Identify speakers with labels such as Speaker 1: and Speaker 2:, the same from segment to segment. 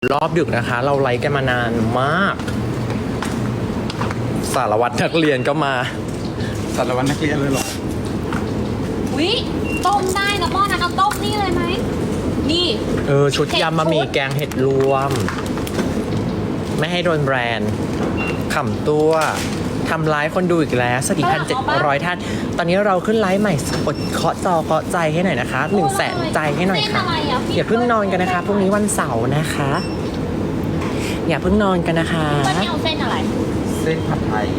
Speaker 1: รอบดึกนะคะ เราไลฟ์กันมานานมาก สารวัตรนักเรียนก็มา
Speaker 2: สารวัตรนักเรียนเลยเหรอ
Speaker 3: วิต้มได้นะหม้อนั้นเอาต้มนี่เลยไหมนี่
Speaker 1: ชุดยำบะหมี่แกงเห็ดรวม ไม่ให้โดนแบรนด์ขำตัวทำไลฟ์คนดูอีกแล้วสวัสดี1,700 ท่าน ตอนนี้เราขึ้นไลฟ์ใหม่กดเคาะจอเคาะใจให้หน่อยนะคะ100,000 ใจให้หน่อยค่ะ อย่าเพิ่งนอนกันนะคะพรุ่งนี้วันเสาร์นะคะ อย่าเพิ่งนอนกันนะคะ
Speaker 3: วันนี้เอาเส้นอะไร
Speaker 2: เส้นผัดไทย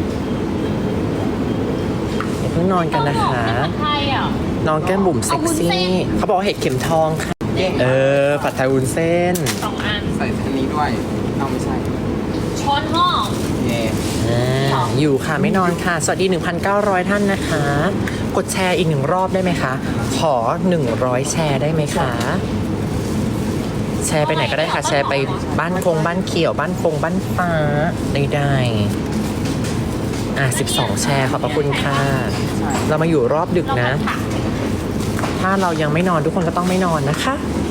Speaker 1: อย่าเพิ่งนอนกันนะคะ
Speaker 3: เส้นผัดไทยอ่ะ
Speaker 1: น้องแก้มบุ๋มเซ็ก
Speaker 3: เอาวุ้นเส้
Speaker 1: ซี่
Speaker 3: น
Speaker 1: เขาบอกว่าเห็ดเข็มทองค่ะผัดไทยวุ้นเส้น
Speaker 3: 2 อัน
Speaker 2: ใส่อันนี้ด้วยเอาไม่ใช่
Speaker 3: ช้อนหม้อ
Speaker 2: เย่
Speaker 1: อยู่ค่ะไม่นอนค่ะ สวัสดี 1,900 ท่านนะคะ กดแชร์อีก1 รอบได้ไหมคะ ขอ 100 แชร์ได้ไหมคะ แชร์ไปไหนก็ได้ค่ะ แชร์ไปบ้านคงบ้านเขียวบ้านคงบ้านฟ้าได้12 แชร์ขอบพระคุณค่ะ เรามาอยู่รอบดึก
Speaker 3: เรา
Speaker 1: นะ
Speaker 3: ผัด
Speaker 1: ถ้าเรายังไม่นอนทุกคนก็ต้องไม่นอนนะคะ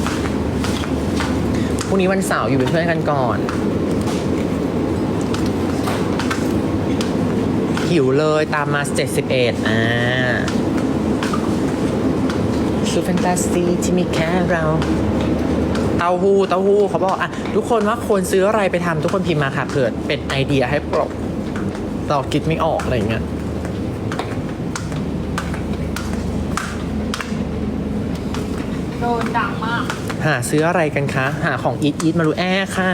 Speaker 1: พรุ่งนี้วันเสาร์อยู่เป็นเพื่อนกันก่อน หิวเลยตามมา71ซูแฟนตาซีที่มีแค่เราเต้าหู้เขาบอกทุกคนว่าควรซื้ออะไรไปทำทุกคนพิมพ์มาค่ะเผื่อเป็นไอเดียให้ปลดเราคิดไม่ออกอะไรอย่างเงี้ย
Speaker 3: โดนดังมาก
Speaker 1: หาซื้ออะไรกันคะ หาของอีทมารูแอค่ะ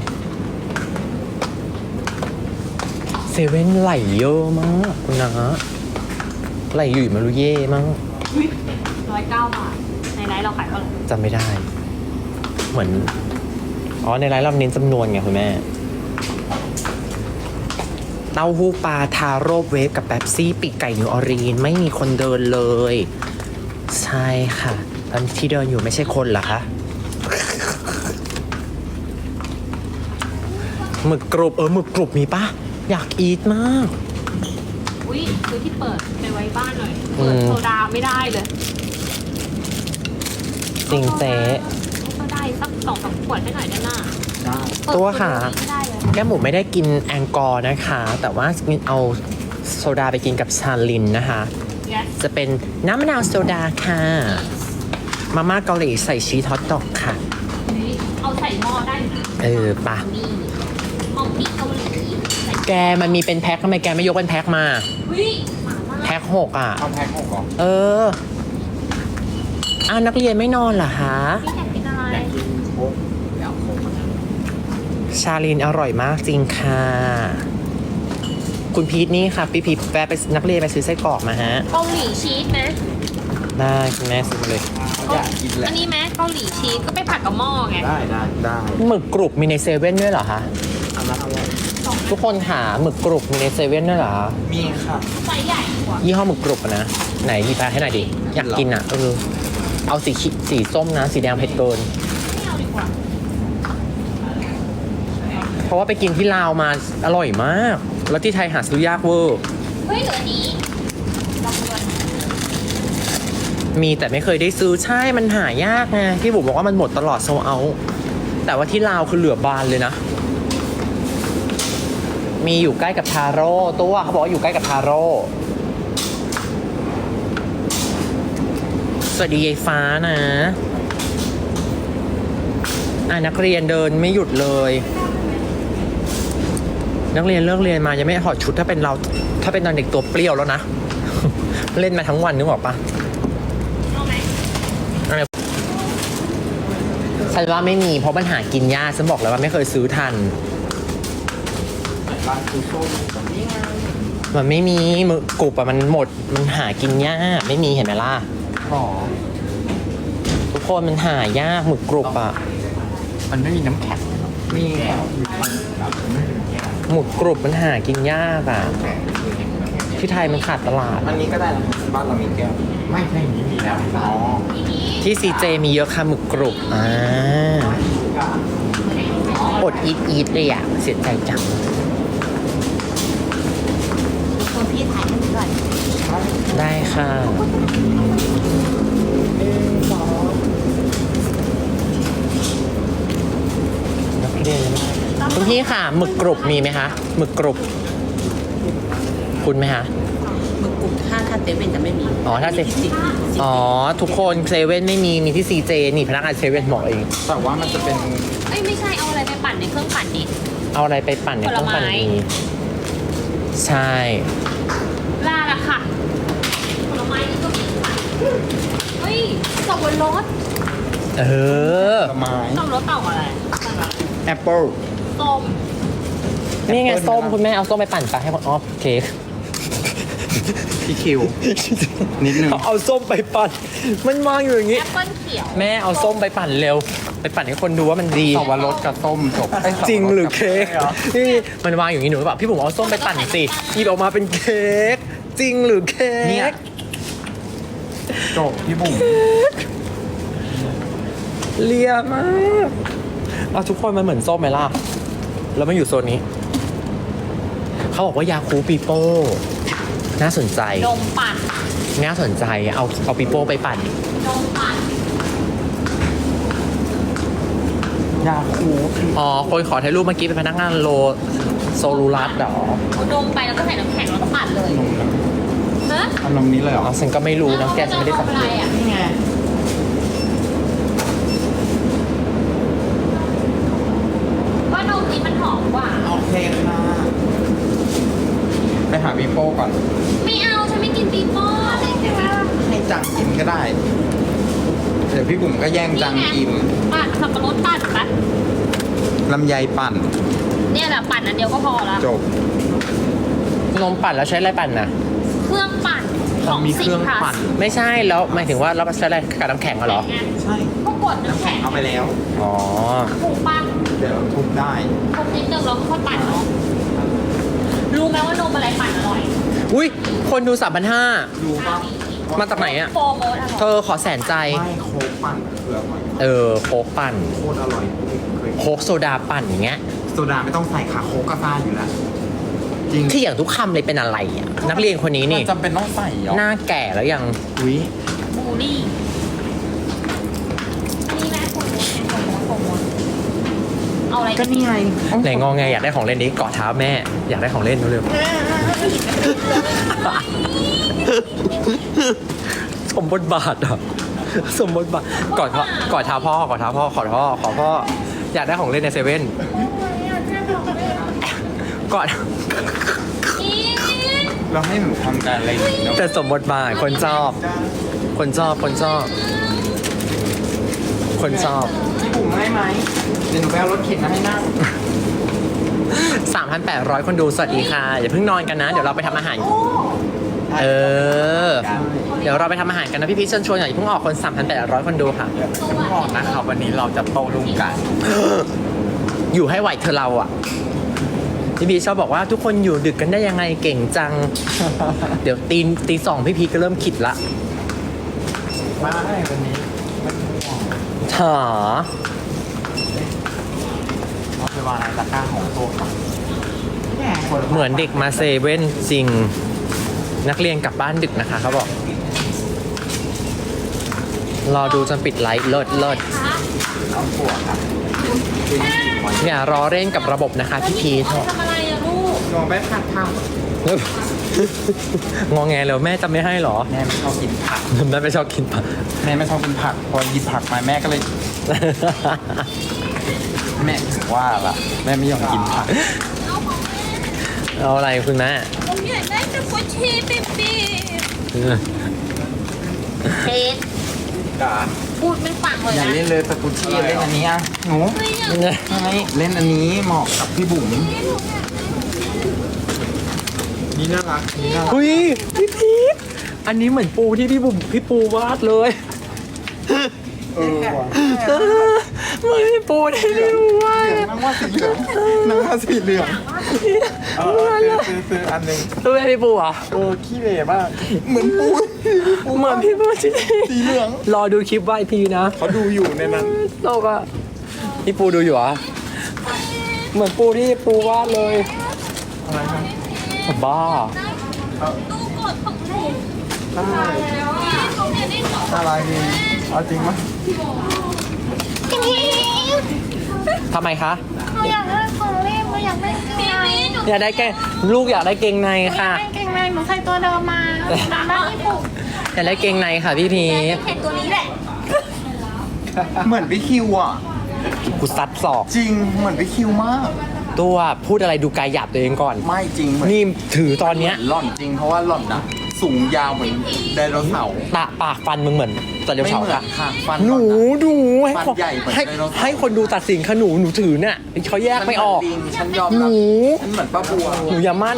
Speaker 1: เซเว่นไหลเยอะมากคุณนะไหลอยู่มารูเย่มั้ง
Speaker 3: 109 บาท ในไลฟ์เราขายเท่าไหร่
Speaker 1: จำไม่ได้ เหมือนในไลน์เราเน้นจำนวนไงคุณแม่ เต้าหู้ปลาทาโร่เวฟกับแป๊บซี่ปีกไก่นิวออรีนไม่มีคนเดินเลย ใช่ค่ะตอนที่เดินอยู่ไม่ใช่คนเหรอคะหมึกกรุบหมึกกรุบมีปะอยากอีทมาก
Speaker 3: อุ้ยซื้อที่เปิดไปไว้บ้านหน่อยเปิดโซดาไม่ได้เลย
Speaker 1: จริงเจ๊
Speaker 3: โซดาสัก2-3 ขวดให้หน่อยได้หน้า
Speaker 2: ได้
Speaker 1: ตัวค่ะ
Speaker 3: ไม่ได้เลย
Speaker 1: แก้มหมูไม่ได้กินแองกอร์นะคะ แต่ว่าเอาโซดาไปกินกับชาลินนะคะ
Speaker 3: yes
Speaker 1: จะเป็นน้ำมะนาวโซดาค่ะ มาม่าเกาหลีใส่ชีสฮอตดอกค่ะ
Speaker 3: นี่เอาใส่หม้อได้อยู่นะ
Speaker 1: ปะ
Speaker 3: นี่หม้อปี้เกาหลีใส่
Speaker 1: แกมันมีเป็นแพ็คทำไมแกไม่ยกเป็นแพ็คมา
Speaker 3: อุ้ยหมาล่า
Speaker 1: แพ็ค6
Speaker 2: เอาแพ็ค6เหรอ
Speaker 1: นักเรียนไม่นอนเหรอคะ
Speaker 3: พี่อยากกินอะไร
Speaker 2: อยากกินโค้กอยากโค้กมาแล้ว
Speaker 1: ชาลินอร่อยมากจริงค่ะ คุณพีทนี่ค่ะพี่พีทแวะไปนักเรียนไปซื้อไส้กรอกมาฮะ
Speaker 3: เกาหลีชีสไหม
Speaker 1: ได้คุณแม่ซื้อมาเลย
Speaker 2: อยากกินแหละ
Speaker 3: อันนี้ไหมเกาหลีชีสก็ไปผัดกับหม้อไง
Speaker 2: ได้
Speaker 1: หมึกกรุบมีในเซเว่นด้วยเหรอคะ
Speaker 2: อันนั้นอร่อย
Speaker 1: ทุกคนหาหมึกกรุบมีในเซเว่นด้วยเหรอ
Speaker 2: มีค่ะ
Speaker 3: ไซส์ใหญ่กว่า
Speaker 1: ยี่ห้อหมึกกรุบอะนะไหนหยิบไปให้หน่อยดิอยากกินอ่ะเอาสีส้มนะ สีแดงเผ็ดเกิน
Speaker 3: ไม่เอาดีกว่า
Speaker 1: เพราะว่าไปกินที่ลาวมาอร่อยมาก แล้วที่ไทยหาซื้อยากเวอร์
Speaker 3: เฮ้ยเหลืออันนี้ลองดูก่อน
Speaker 1: มีแต่ไม่เคยได้ซื้อใช่มันหายากไงพี่บุ๋มบอกว่ามันหมดตลอดโซเอาแต่ว่าที่ลาวคือเหลือบานเลยนะ มีอยู่ใกล้กับทาโร่ตัวเขาบอกว่าอยู่ใกล้กับทาโร่สวัสดียายฟ้านะนักเรียนเดินไม่หยุดเลย นักเรียนเลิกเรียนมายังไม่ถอดชุดถ้าเป็นเราถ้าเป็นตอนเด็กตัวเปรี้ยวแล้วนะ เล่นมาทั้งวันนึกออกปะ
Speaker 3: เอาไหม
Speaker 1: ฉันว่าไม่มีเพราะมันหากินยากฉันบอกแล้วว่าไม่เคยซื้อทัน
Speaker 2: ร้านคือส้มกับนี่ไง
Speaker 1: มันไม่มีหมึกกรุบอะมันหมดมันหากินยากไม่มีเห็นไหมล่ะ
Speaker 2: หรอ
Speaker 1: ทุกคนมันหายากหมึกกรุบอะ
Speaker 2: มันไม่มีน้ำแข็งมีแข็ง
Speaker 1: หมึกกรุบมันหากินยากอะที่ไทยมันขาดตลาด
Speaker 2: อันนี้ก็ได้นะบ้านเรามีแก้วไม่ใช่นี้มีแล้วอ๋อ
Speaker 1: ที่ซีเจมีเยอะค่ะหมึกกรุบอดอีทเลยอะเสียใจจัง
Speaker 3: คนพี่ถ่ายให้หนูหน่อย
Speaker 1: ได้ค่ะนักเรียนคุณพี่ค่ะหมึกกรุบมีไหมคะหมึกกรุบคุณไหมคะ
Speaker 4: หมึกกลุ่มถ้าเซเว่นจะไม่มี
Speaker 1: อ๋อถ้าเซ
Speaker 4: มีที่ซี
Speaker 1: อ๋อทุกคนเซเว่นไม่มีมีที่ซีเจนี่พนักงานเซเว่นบอกเอง
Speaker 2: แต่ว่ามันจะเป็น
Speaker 3: เอ้ยไม่ใช่เอาอะไรไปปั่นในเครื่องปั่นนี่
Speaker 1: เอาอะไรไปปั่นในเครื่องปั่น
Speaker 3: ผลไม้
Speaker 1: นี้ใช่
Speaker 3: ลาละค่ะผลไม้นี่ก็มีค่ะเฮ้ยสับปะรด
Speaker 1: เออ
Speaker 2: ผลไม้
Speaker 3: สับปะรดเต่าอะไร
Speaker 2: แอปเปิล
Speaker 3: ส้ม
Speaker 1: นี่ไงส้มคุณแม่เอาส้มไปปั่นไปให้คนออฟเค้ก
Speaker 2: พี่คิว นิดนึง
Speaker 1: เอาส้มไปปั่นมันวางอยู่อย่าง
Speaker 3: แอ
Speaker 1: นี้
Speaker 3: ปเปิ้ลเขียว
Speaker 1: แม่เอาส้มไปปั่นเร็ว ไปปั่นให้คนดูว่ามันดี
Speaker 2: สับปะรดกับส้มจบไสับปะด
Speaker 1: จริงหรือ
Speaker 2: กับ
Speaker 1: เค้ก
Speaker 2: หรอ
Speaker 1: นี่มันวางอยู่อย่างนี้หนูแบบพี่บุ๋มเอาส้มไปปั่นสิหยิบออกมาเป็นเค้กจริงหรือเค้
Speaker 2: เนี่ย
Speaker 1: ก
Speaker 2: จบพี่บุ๋ม
Speaker 1: เลียมากเอาทุกคนมันเหมือนส้มไหมล่ะแล้วมันอยู่โซนนี้เขาบอกว่ายาคูปีโป้น่าสนใจ
Speaker 3: นมปั่น
Speaker 1: น่าสนใจเอาปีโป้ไปปั่น
Speaker 3: นมปั่น
Speaker 2: ยาคู
Speaker 1: อ๋อคนขอถ่ายรูปเมื่อกี้เป็นพนักงานโซลูรัสเหรอ
Speaker 3: เอานมไปแล้วก็ใส่น้ำแข็งแล้วก็ปั่นเลย
Speaker 2: นมนะ
Speaker 3: ฮะ
Speaker 2: เอานมนี้เลยเหรอ
Speaker 1: อ๋อฉันก็ไม่รู้นะแกฉันไม่ได้สัง
Speaker 3: อะ
Speaker 1: เก
Speaker 3: ไร
Speaker 1: ต
Speaker 3: อ่ะ
Speaker 2: นี่ไง
Speaker 3: ว่านมนี้มันหอมกว่า
Speaker 2: โอเคค่ะไปหาพี่โป้ก่อน
Speaker 3: ไม่เอาฉันไม่กินปีโป้อะไรกันวะ
Speaker 2: ให้จังกินก็ได้ เดี๋ยวพี่บุ๋มก็แย่งจังกิน
Speaker 3: ปั่นสับปะรดปั่นปะ
Speaker 2: ลำไยปั่น
Speaker 3: เนี่ยแหละปั่นอันเดียวก็พอละ
Speaker 2: จบ
Speaker 1: นมปั่นแล้วใช้อะไรปั่นน่ะ
Speaker 3: เครื่องปั่นของ
Speaker 2: มีเครื่องปั่น
Speaker 1: ไม่ใช่แล้วหมายถึงว่าเราใช้อะไรกับน้ำแข็งเหรอ
Speaker 2: ใช่
Speaker 3: ก็กดน้ำแข็ง
Speaker 2: เอาไปแล้ว
Speaker 1: อ๋อ
Speaker 3: ถูกปะ
Speaker 2: เดี๋ยวทุบได้
Speaker 3: ทุบนิดนึงแล้วค่อยปั่นเนาะรู้ไหมว่านมอะไรปั่นอร่อย
Speaker 1: อุ้ยคนดู3,500
Speaker 2: ดูป่ะ
Speaker 1: มาจากไหนอะ
Speaker 3: โฟร์โมดอร่อย
Speaker 1: เธอขอแสนใจ
Speaker 2: ไม่โค้กปั่นคืออร่อย
Speaker 1: โค้กปั่น
Speaker 2: โคตรอร่อยเคย
Speaker 1: โค้กโซดาปั่นอย่างเงี้ย
Speaker 2: โซดาไม่ต้องใส่ค่ะโค้กกาแฟอยู่แล้วจริง
Speaker 1: ที่อย่างทุกคำเลยเป็นอะไรอ่ะ นักเรียนคนนี้นี่
Speaker 2: มัจำเป็นต้องใส่เหรอ
Speaker 1: หน้าแก่แล้วยัง
Speaker 2: อุ้ย
Speaker 3: บูลลี่อันนี้แม่โฟร์โมดโฟร์โมดเอาอะไร
Speaker 2: ก็นี่ไง
Speaker 1: ไหนงอไงอยากได้ของเล่นนี้เกาะเท้าแม่ อยากได้ของเล่นเร็วๆ สมบทบาทอ่ะ สมบทบาทกอดเท้าพ่อกอดเท้าพ่อขอพ่ออยากได้ของเล่นในเซเว่นกอด
Speaker 3: อีก
Speaker 2: เราให้หนูทำการอะไรอย่างนี้เนาะ
Speaker 1: แต่สมบทบาทคนชอบ คนชอบ คนชอบ คนชอบ
Speaker 2: พี่บุ๋มให้ไหมเดี๋ยวหนูไปเอารถเข็นมาให้นั่ง
Speaker 1: 3,800 คนดูสวัสดีค่ะ อย่าเพิ่งนอนกันนะ เดี๋ยวเราไปทำอาหาร เออ เดี๋ยวเราไปทำอาหารกันนะพี่พีชเชิญชวนอย่าเพิ่งออกคน 3,800 คนดูค่ะ
Speaker 2: ฉันบอกนะครับวันนี้เราจะโตรุ่งกัน
Speaker 1: อยู่ให้ไหวเธอเราอ่ะ พี่พีชชอบบอกว่าทุกคนอยู่ดึกกันได้ยังไงเก่งจัง เดี๋ยวตีสองพี่พีชก็เริ่มขิดละ
Speaker 2: มาได้วันนี้ไม่ต้องห่วง
Speaker 1: ถา
Speaker 2: เอาไปวางในตะกร้าของโต๊ะก่อนแม่คน
Speaker 1: เหมือนเด็กมาเซเว่นจริง นักเรียนกลับบ้านดึกนะคะเขาบอก รอดูจนปิดไลฟ์เลิศ
Speaker 2: เอาปวดครับเป็นสี่วัน
Speaker 1: อย่ารอเล่นกับระบบนะคะพี่พีช
Speaker 3: ทำอะไรอะลูก
Speaker 2: ลองไปผัดผัก
Speaker 1: งอแงแล้วแม่จะไม่ให้เหรอ
Speaker 2: แม่ไม่ชอบกินผัก
Speaker 1: แม่ไม่ชอบกินผัก
Speaker 2: แม่ไม่ชอบกินผัก พอหยิบผักมาแม่ก็เลย แม่ถึงว่าล่ะ แม่ไม่ยอมกินผัก
Speaker 1: เอาอะไรคุณแม่
Speaker 3: ผมอยากได้แต่กุชชี่ปิ๊บปิ๊บเทสพูดไม่ฟังเลย
Speaker 2: อย่า
Speaker 3: นะ
Speaker 2: เล่นเลยสกุชชี่เล่นอันนี้อ่ะหนู
Speaker 3: ไม่อยาก
Speaker 2: ไม่เล่นอันนี้เหมาะกับพี่บุ๋มนี่น่ารักนี่น่ารัก
Speaker 1: อุ้ยพี่พีชอันนี้เหมือนปูที่พี่ปูวาดเลย
Speaker 2: ว่ะ
Speaker 1: เหมือนพี่ปูที่พี่ปูวาด
Speaker 2: นั่งว่าสีเหลืองนั่งว่าสีเหลืองซื้ออันหนึ่ง
Speaker 1: รู้ไหมพี่ปูเหรอ่ะ
Speaker 2: ขี้เหร่มากเหมือนปู
Speaker 1: เหมือนพี่ปูที่
Speaker 2: สีเหลือง
Speaker 1: รอดูคลิปว่าอีกทีนะ
Speaker 2: เขาดูอยู่ในนั้น
Speaker 1: โลกอะพี่ปูดูอยู่เหรอเหมือนปูที่ปูวาดเลย
Speaker 2: อะไรครับ
Speaker 1: บ้า
Speaker 3: ตู้กดของลูก
Speaker 2: ได้
Speaker 3: แล้วอ่ะเขาเนี่ยได้สอง
Speaker 2: อะไรดีเอาจริงมั้ย
Speaker 1: ทำไมคะ
Speaker 3: เอนูอยากได้ของเล่นหนูอยากได้พี่หนู
Speaker 1: อยากได้แกงลูกอยากได้เกงในค่ะ
Speaker 3: ไม่เก่งเลยหนูใส่ตัวเดิมมาบ้านญี่ปุ่น
Speaker 1: อยากได้เกงในค่ะพี่พีช
Speaker 3: เห็นตัวนี้แหละ
Speaker 2: เหมือนพี่คิวอ่ะ
Speaker 1: กูซัดศอก
Speaker 2: จริงเหมือนพี่คิวมาก
Speaker 1: ตัวพูดอะไรดูกายหยาบตัวเองก่อน
Speaker 2: ไม่จริงเหมือน
Speaker 1: นี่ถือตอนเนี้ย
Speaker 2: หล่อนจริงเพราะว่าหล่อนนะสูงยาวเหมือนไดโนเสาร์
Speaker 1: ตาปากฟันมึงเหมือนตะเดียว
Speaker 2: ไม่
Speaker 1: เฉา
Speaker 2: เหมือน
Speaker 1: ค่ะ
Speaker 2: ค่ะฟัน
Speaker 1: หนู
Speaker 2: หล่อน
Speaker 1: ดูให้
Speaker 2: ฟัน
Speaker 1: คน
Speaker 2: ใหญ่เหมือน
Speaker 1: ให้
Speaker 2: ไดโนเสาร์
Speaker 1: ให้คนดูตัดสินค่ะหนูถือเนี่ยเขาแยกไม่ออก
Speaker 2: ฉันเหนลิงฉันยอม
Speaker 1: ห
Speaker 2: รับ
Speaker 1: นู
Speaker 2: ฉันเหมือนป้าบัว
Speaker 1: หนูอย่ามั่น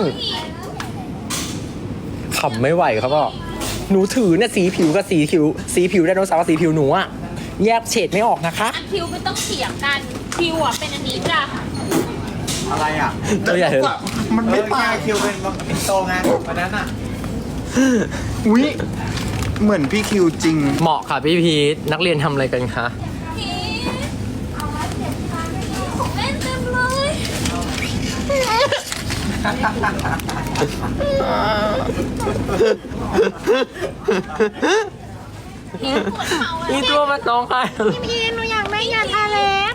Speaker 1: ขำไม่ไหวเขาบอกหนูถือเนี่ยสีผิวกับสีผิวไดโนเสาร์กับสีผิวหนูอะแยกเฉดไม่ออกนะคะ
Speaker 3: อันคิวไม่ต้องเถียงกันคิวอ่ะเป็นอันนี้จ้ะ
Speaker 2: อะไรอ่ะ
Speaker 1: ตัวใหญ่เลย
Speaker 2: มันไม่ตาย
Speaker 5: คิวเป็นโตไงวันนั้นอ่ะ
Speaker 2: อุ้ยเหมือนพี่คิวจริง
Speaker 1: เหมาะค่ะพี่พีทนักเรียนทำอะไรกันคะ
Speaker 3: พี่ของเล่นเต็มเลย พี่ปวดเข่าอะ
Speaker 1: นี่ตัวมันน้องค่ะ
Speaker 3: พี่หนูอยากได้ยาทาเล็บ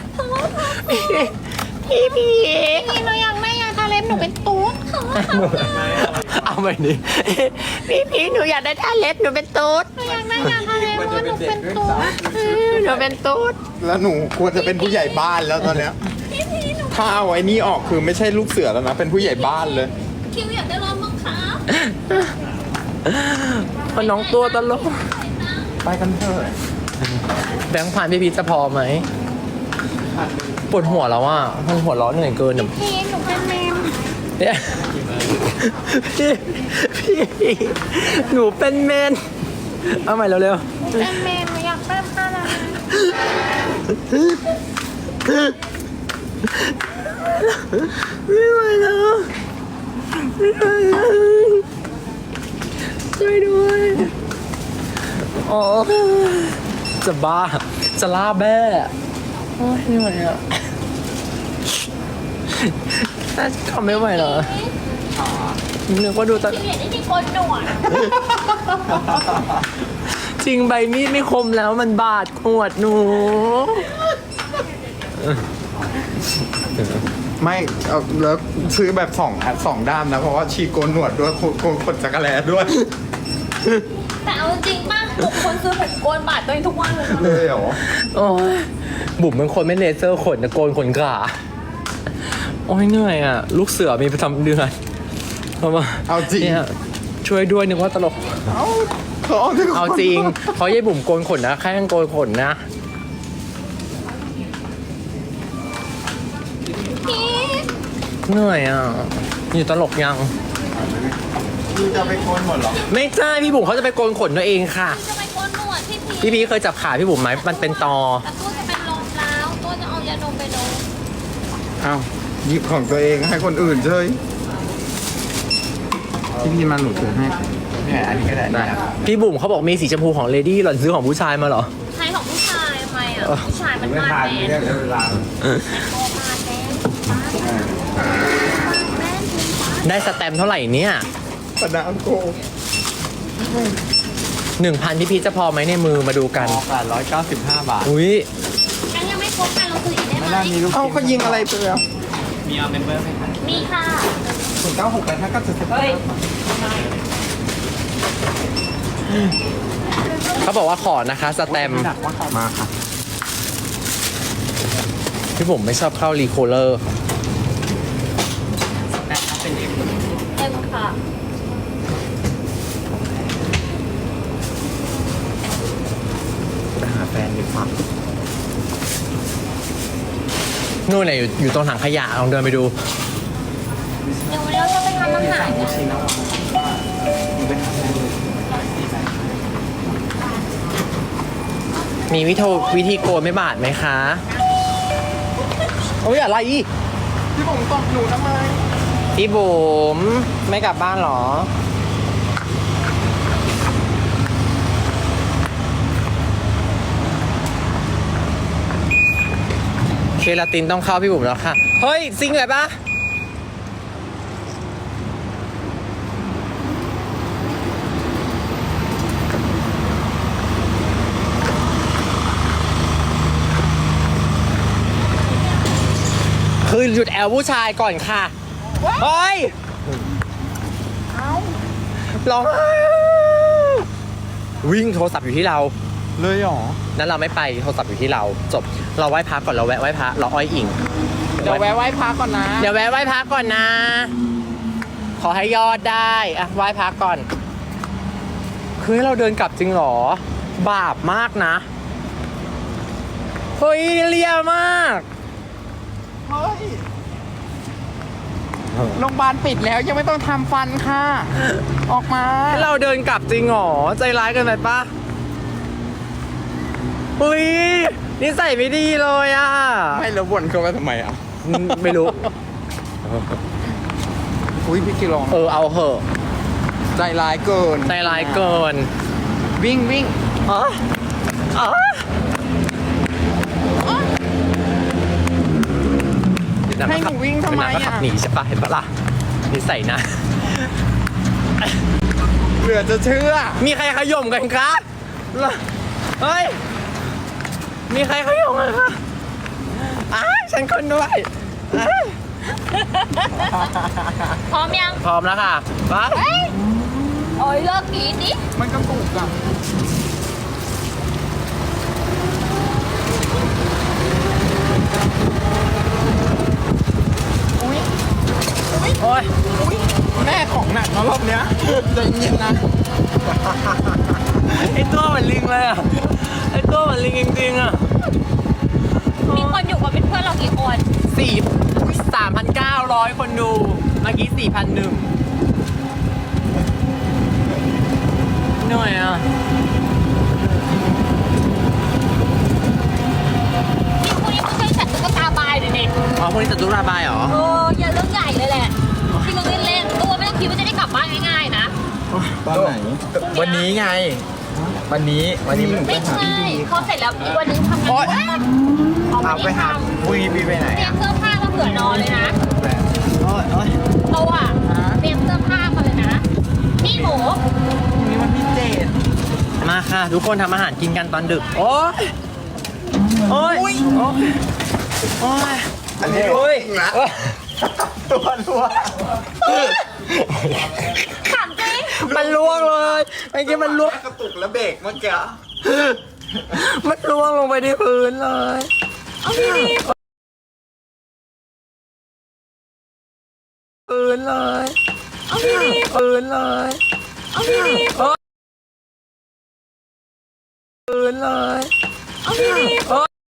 Speaker 1: พี่พี
Speaker 3: พี่หนูอยากได้ยาทาเล็บหนูเป็นตุ๊ด
Speaker 1: เอาไปดิพี่พีหนูอยากได้ท่าเล็บหนูเป็นตุ๊ด
Speaker 3: หนูอยากได้ยาทาเล็บเพราะว่าหนูเป็นตุ๊ด
Speaker 1: หนูเป็นตุ๊ด
Speaker 2: แล้วหนูควรจะเป็นผู้ใหญ่บ้านแล้วตอนเนี้ยถ้าเอาไอ้นี่ออกคือไม่ใช่ลูกเสือแล้วนะ เป็นผู้ใหญ่บ้านเลย
Speaker 3: คิวอยากได้รองบังคับ
Speaker 1: เพราะน้องตัวตลก
Speaker 2: ไปกันเถอะ
Speaker 1: แบงค์พันพี่พีจะพอไหมปวดหัวแล้วอ่ะมันหัวเร้อนเหนื่อยเกินอะ
Speaker 3: พี่หนูเป็นแมว
Speaker 1: เนี่ยพี่หนูเป็นเมนเอาใหม่เร็ว
Speaker 3: เป็นแมวหนูอยากเป็นอะไร
Speaker 1: ๆไม่ไหวแล้วไม่ไหวแล้วช่วยด้วยอ๋อจะบ้าจะล่าแบ้โอ้ยไม่ไหวอ่ะน่าจะทำไม่ไหวเหรอนึกว่าดูตอน
Speaker 3: พี่เห็นไอ้ที่โกนหนวด
Speaker 1: จริงใบมีดไม่คมแล้วมันบาดขวดหนู
Speaker 2: ไม่เอาแล้วซื้อแบบสองด้ามนะ เพราะว่าชีโกนหนวดด้วยขนจักรแลด้วย
Speaker 3: แต่เอาจริงป่ะทุกคนซื้อผมโกนบาดตัวเองทุกวันเลย
Speaker 2: เลยเหรอ
Speaker 1: โอ้ยบุ๋มเป็นคนไม่เลเซอร์ขนนะโกนขนขาโอ้ยเหนื่อยอ่ะ ลูกเสือมีประจำเดือนเพราะว่า
Speaker 2: เอาจริง
Speaker 1: เนี่ยช่วยด้วยนึกว่าตลก
Speaker 2: เอาเขาเอาที่
Speaker 1: เอาจริงเพราะยายบุ๋มโกนขนนะแค่โกนขนนะ
Speaker 3: พี่
Speaker 1: เหนื่อยอ่ะอยู่ตลกยัง
Speaker 2: พี่จะไปโกนหมดเหรอ
Speaker 1: ไม่ใช่พี่บุ๋มเขาจะไปโกนขนตัวเองค่ะ
Speaker 3: จะไปโกนหนวดพี่
Speaker 1: พี่พีเคยจับขาพี่บุ๋มไหมมันเป็นตอ
Speaker 3: แต่ตัวจะเป็นลมแล้วตัวจะเอายาดมไปดม
Speaker 2: อ้าวหยิบของตัวเองให้คนอื่นเฉยพี่มาหนูถือให้เนี่ยอันนี้ก็ได้ครับ
Speaker 1: พี่บุ๋มเขาบอกมีสีชมพูของเลดี้หล่อนซื้อของผู้ชายมาเหรอ
Speaker 3: ใครของผู้ชายทำไมอ่ะผู้ชายมันมาแมน
Speaker 2: เวลา
Speaker 3: โตมาแมน
Speaker 1: ได้สแตมป์เท่าไหร่เนี่ย
Speaker 2: ปะนามโก
Speaker 1: 1,000พี่พีชจะพอไหมในมือมาดูกัน
Speaker 2: 895 บาท
Speaker 1: อุ้ย
Speaker 3: ยังไม่ครบกันเราซื้ออีกได้ไหม
Speaker 2: เอ้าเขายิงอะไรไปแล้ว
Speaker 5: มีเอาเมมเบอร์ไหมคะ
Speaker 3: มีค่ะ
Speaker 2: 096แต่ถ้าก็จะ
Speaker 1: เขาบอกว่าขอนะคะสแตมป์
Speaker 2: มาค่ะ
Speaker 1: พี่ผมไม่ชอบเข้ารีโคเลอร์
Speaker 5: แต่ถ้าเป็นเอ็ม
Speaker 3: เอ็มค่ะ
Speaker 2: ไปหาแฟนดีกว่า
Speaker 1: นู่นไหนะอยู่ตรงถังขยะลองเดินไปดู
Speaker 3: เดี๋ยววันนี้เราจะไปทำอาหารกัน
Speaker 1: มีวิธีโกนไม่บาดไหมคะโอ้ยอะไรอีก
Speaker 2: พี่ผมตบหนูทำไม
Speaker 1: พี่บุ๋มไม่กลับบ้านเหรอ เคลาตินต้องเข้าพี่บุ๋มแล้วค่ะ เฮ้ยซิงเลยปะคือหยุดแอลผู้ชายก่อนค่ะ เฮ้ยร้องไห้วิ่งโทรศัพท์อยู่ที่เรา
Speaker 2: เลยเหรอ
Speaker 1: นั้นเราไม่ไปโทรศัพท์อยู่ที่เราจบเราไหว้พระก่อนเราแวะไหว้พระเราอ้อยอิง
Speaker 2: เดี๋ยวแวะไหว้พระก่อนนะ
Speaker 1: เดี๋ยวแวะไหว้พระก่อนนะ ขอให้ยอดได้อะไหว้พระก่อนคือให้เราเดินกลับจริงเหรอบาปมากนะเฮ้ยเลียมาก
Speaker 2: เฮ้ยโรงพยาบาลปิดแล้วยังไม่ต้องทำฟันค่ะ ออกมา
Speaker 1: ให้เราเดินกลับจริงเหรอใจร้ายเกันไปปะเฮ้ยนิสัยไม่ดีเลยอ่ะ
Speaker 2: ไม่แล้ววนเข้ามาทำไมอ่ะ
Speaker 1: ไม่รู้
Speaker 2: อุ้ยพี่กิโล
Speaker 1: เอาเหอะ
Speaker 2: ใจร้ายเกิน
Speaker 1: ใจร้ายเกิน
Speaker 2: วิ่งวิ่ง
Speaker 1: อ๋ออ๋อเดี๋ยว
Speaker 2: ให้หนูวิ่งทำไม
Speaker 1: เดี๋ยวนะก็ขั
Speaker 2: อ่ะ
Speaker 1: บหนีใช่ปะเห็นปะล่ะนิสัยนะ
Speaker 2: เหลือจะเชื่อ
Speaker 1: มีใครขย่มกันครับเฮ้ย มีใครขย่มกันคะฉันคนด้วยอ้า
Speaker 3: พร้อมยัง
Speaker 1: พร้อมแล้วค่ะไป
Speaker 3: เฮ้ยโอ้ยเลิกกรีดดิ
Speaker 2: มันกระตุกอ่ะ
Speaker 1: โอ้ย
Speaker 2: แม่ของหนักเนอะรอบเนี้ยใจเย็นนะ
Speaker 1: ไอตัวเหมือนลิงเลยอ่ะ ไอตัวเหมือนลิงจริงๆอ่ะ
Speaker 3: มีคนอยู่กับเป็นเพื่อนเรากี่คน
Speaker 1: 3,900 คนดู เมื่อกี้ 4,001เหนื่อยอ่ะ
Speaker 3: นี่คุณนี่มึงเคยจัดตุ๊กตาบายเลยเนี่ย
Speaker 1: อ๋อพวกนี้จะตุลาบายเหรอ
Speaker 3: อย่าเรื่องใหญ่เลยแหละที่มึงเล่นๆตัวไม่ต้องคิดว่าจะได้กลับบ้านง่ายๆนะ
Speaker 2: ตอนไหน วันนี้ไง วันนี้หนูไป
Speaker 3: ไม่
Speaker 2: หา
Speaker 3: ใช่
Speaker 2: พี่บี
Speaker 3: พอเสร็จแล้วอีกวันนึงทำงาน
Speaker 2: โอ๊ย
Speaker 3: เอา
Speaker 2: เอาไปหาวีบีไปไหน
Speaker 3: เตรียมเสื้อผ้ามาเผื่อนอนเลยนะ
Speaker 2: โอ๊ยโอ๊ย
Speaker 3: เราอะเตรียมเสื้อผ้ามาเลยนะ นี่หมู
Speaker 2: วันนี้วันที่7
Speaker 1: มาค่ะ ทุกคนทำอาหารกินกันตอนดึก โอ้ยโอ้ยโอ้ยโอ้ย
Speaker 2: อันนี้
Speaker 1: โอ้ย
Speaker 2: นะตัวรัว
Speaker 3: ถามจริง
Speaker 1: มันล่วงเลยเมื่อกี้มันล่วง
Speaker 2: กระตุกแล้วเบรกเมื่อกี้
Speaker 1: มันล่วงลงไปที่พื้นเลย
Speaker 3: เอาดี
Speaker 1: พื้นเลย
Speaker 3: ๆเอาดี
Speaker 1: พื้นเลย
Speaker 3: ๆเอาดี
Speaker 1: พื้นเลย
Speaker 3: ๆเอาดีๆ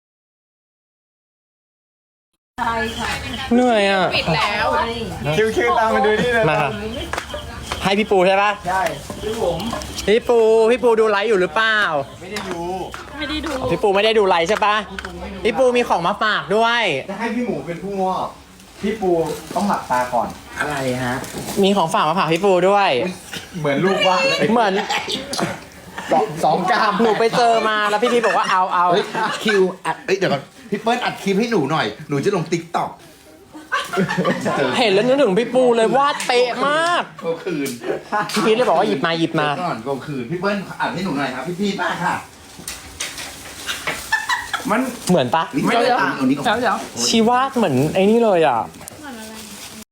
Speaker 1: เหนื่อยอ่ะ
Speaker 3: ปิดแล้ว
Speaker 2: คิวๆตามมาดูนี่เลย
Speaker 1: มาครับให้พี่ปูใช่ปะ
Speaker 2: ใช่พี่ผม
Speaker 1: พี่ปูดูไลฟ์อยู่หรือเปล่า
Speaker 2: ไม่ได้ดู
Speaker 3: ไม่ได้ดู
Speaker 1: พี่ปูไม่ได้ดูไลฟ์ใช่ปะพี่ปูมีของมาฝากด้วย
Speaker 2: จะให้พี่หมูเป็นผู้มอบพี่ปูต้องหลับตาก่อน อะไรฮะ
Speaker 1: มีของฝากมาฝากพี่ปูด้วย
Speaker 2: เหมือนลูกว่า
Speaker 1: เหมือน
Speaker 2: สองกล้าม
Speaker 1: หนูไปเจอมาแล้วพี่บอกว่าเอา
Speaker 6: เฮ้ยคิวอัดเอ้ยเดี๋ยวก่อนพี่เปิ้ลอัดคลิปให้หนูหน่อย หนูจะลงติ๊กต็อก
Speaker 1: เห็นแล้วนึกถึงพี่ปูเลยวาดเป๊ะมาก
Speaker 6: ก็คืน
Speaker 1: พี่พีทเลยบอกว่าหยิบมา
Speaker 6: เดี๋ยวก่อนก็คืนพี่เปิ้ลอัดให้หนูหน่อยครับพี่พีทมากค่ะ
Speaker 2: มัน
Speaker 1: เหมือนปะ
Speaker 6: ไม่ได้ตังค์เอานี้ก่อน
Speaker 1: ชีวาดเหมือนไอ้นี่เลยอ่ะ